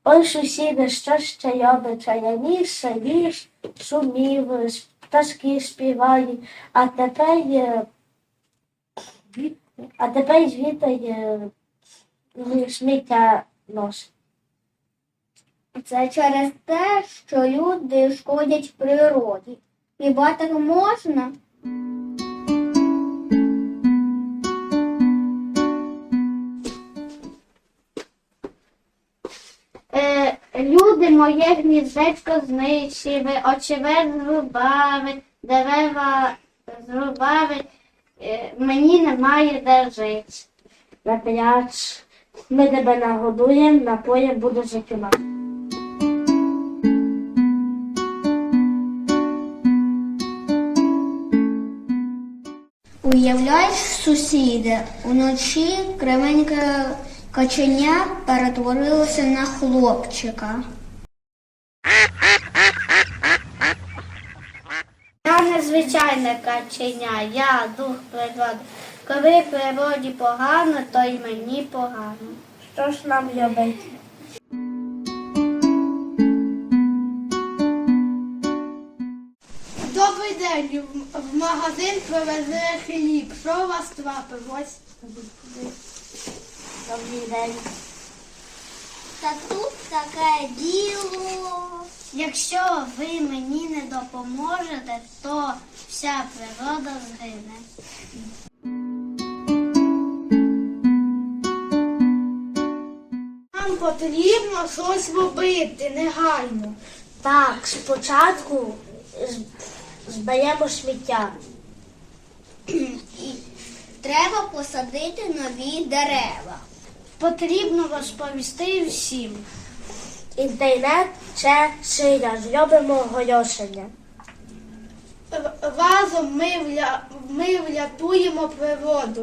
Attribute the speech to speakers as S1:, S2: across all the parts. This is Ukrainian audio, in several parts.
S1: Ой, сусіди, що ще йобича, я ніж, ніж, шумів, пташки співають, а тепер звідти сміття носить.
S2: Це через те, що люди шкодять природі. Хіба так можна? Люди моє гніздечко знищили, очевидь зрубали, дерева зрубали, мені немає де жити.
S1: Напряч, ми тебе нагодуємо, напоєм буде життя.
S2: Уявляєш, сусіде, уночі кривеньке каченя перетворилося на хлопчика. Я не звичайне каченя, я дух природи. Коли природі погано, то й мені погано.
S1: Що ж нам робити?
S3: Добрий день, в магазин привезли хліб. Що у вас трапилось?
S1: Добрий день.
S2: Та тут таке діло. Якщо ви мені не допоможете, то вся природа згине.
S3: Нам потрібно щось робити негайно.
S1: Так, спочатку зберемо сміття.
S2: Треба посадити нові дерева. Потрібно розповісти всім.
S1: Інтернет це сила, зробимо оголошення.
S3: Разом ми врятуємо природу.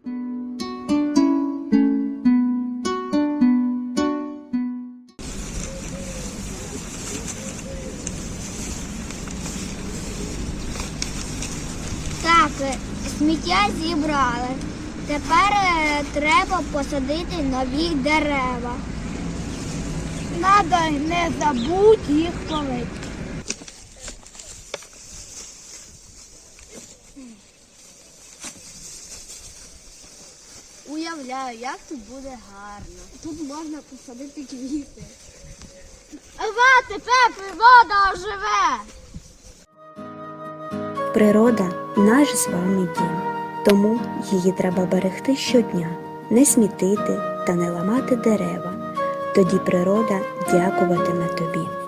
S2: Так, сміття зібрали. Тепер треба посадити нові дерева.
S3: Надо не забудь їх полити.
S2: Уявляю, як тут буде гарно. Тут можна посадити квіти.
S3: Тепер природа оживе!
S4: Природа – наш з вами дім, тому її треба берегти щодня, не смітити та не ламати дерева. Тоді природа дякуватиме тобі.